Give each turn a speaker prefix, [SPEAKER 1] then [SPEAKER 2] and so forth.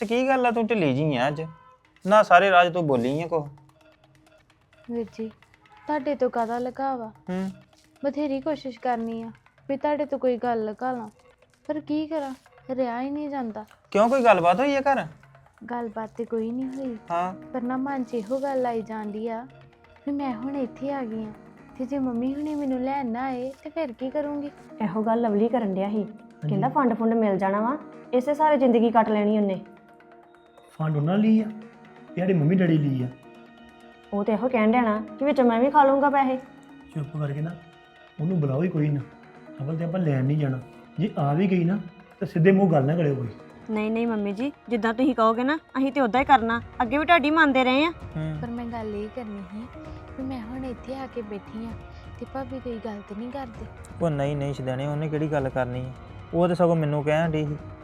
[SPEAKER 1] ਤੇ ਕੀ ਗੱਲ ਆ ਤੂੰ ਢਿੱਲੀ ਜੀ ਆ ਅੱਜ ਨਾ ਸਾਰੇ ਰਾਜ ਤੂੰ ਬੋਲੀ ਆ ਕੋ
[SPEAKER 2] ਵੀਰ ਜੀ ਤੁਹਾਡੇ ਤੋਂ ਕਾਹਦਾ ਲਗਾਵਾ ਬਥੇਰੀ ਕੋਸ਼ਿਸ਼ ਕਰਨੀ ਆ ਵੀ ਤੁਹਾਡੇ ਤੋਂ ਕੋਈ ਗੱਲ ਲਗਾ ਲਾਂ ਪਰ ਕੀ ਕਰਾਂ ਰਿਹਾ ਹੀ ਨਹੀਂ ਜਾਂਦਾ।
[SPEAKER 1] ਕਿਉਂ ਕੋਈ ਗੱਲਬਾਤ ਹੋਈ ਆ ਘਰ?
[SPEAKER 2] ਗੱਲਬਾਤ ਤੇ ਕੋਈ ਨਹੀਂ ਹੋਈ
[SPEAKER 1] ਹਾਂ
[SPEAKER 2] ਪਰ ਨਾ ਮਨ 'ਚ ਇਹੋ ਗੱਲ ਆਈ ਜਾਂਦੀ ਆ ਵੀ ਮੈਂ ਹੁਣ ਇੱਥੇ ਆ ਗਈ ਆ ਤੇ ਜੇ ਮੰਮੀ ਹੁਣੇ ਮੈਨੂੰ ਲੈਣ ਨਾ ਆਏ ਤੇ ਫਿਰ ਕੀ ਕਰੂੰਗੀ।
[SPEAKER 3] ਇਹੋ ਗੱਲ ਲਵਲੀ ਕਰਨ ਡਿਆ ਸੀ ਕਹਿੰਦਾ ਫੰਡ ਫੁੰਡ ਮਿਲ ਜਾਣਾ ਵਾ ਇਸੇ ਸਾਰੇ ਜ਼ਿੰਦਗੀ ਕੱਟ ਲੈਣੀ ਉਹਨੇ।
[SPEAKER 4] ਫੰਡ ਉਹਨਾਂ ਲਈ ਆ ਤੇ ਸਾਡੇ ਮੰਮੀ ਡੈਡੀ ਲਈ ਆ।
[SPEAKER 3] ਉਹ ਤੇ ਇਹੋ ਕਹਿਣ ਡਿਆ ਨਾ ਕਿ ਵਿੱਚ ਮੈਂ ਵੀ ਖਾ ਲੂੰਗਾ ਪੈਸੇ।
[SPEAKER 4] ਚੁੱਪ ਕਰਕੇ ਨਾ ਉਹਨੂੰ ਬੁਲਾਓ ਹੀ ਕੋਈ ਨਾ, ਅਵਲ ਤੇ ਆਪਾਂ ਲੈਣ ਨਹੀਂ ਜਾਣਾ। ਜੇ ਆ ਵੀ ਗਈ ਨਾ ਤਾਂ ਸਿੱਧੇ ਮੂੰਹ ਗੱਲ ਨਾ ਕਰਿਓ ਕੋਈ।
[SPEAKER 3] ਨਹੀਂ ਮੰਮੀ ਜੀ ਜਿੱਦਾਂ ਤੁਸੀਂ ਕਹੋਗੇ ਨਾ ਅਸੀਂ ਤੇ ਉਦਾਂ ਹੀ ਕਰਨਾ, ਅੱਗੇ ਵੀ ਤੁਹਾਡੀ ਮੰਨਦੇ ਰਹੇ ਆ।
[SPEAKER 2] ਪਰ ਮੈਂ ਗੱਲ ਇਹ ਕਰਨੀ ਸੀ ਵੀ ਮੈਂ ਹੁਣ ਇੱਥੇ ਆ ਕੇ ਬੈਠੀ ਆ ਤੇ ਭਾਬੀ ਕੋਈ ਗਲਤ ਨਹੀਂ ਕਰਦੇ।
[SPEAKER 1] ਉਹ ਨਹੀਂ ਸ਼ਦੈਣੇ ਉਹਨੇ ਕਿਹੜੀ ਗੱਲ ਕਰਨੀ ਆ, ਉਹ ਤਾਂ ਸਗੋਂ ਮੈਨੂੰ ਕਹਿਣ ਡਈ ਸੀ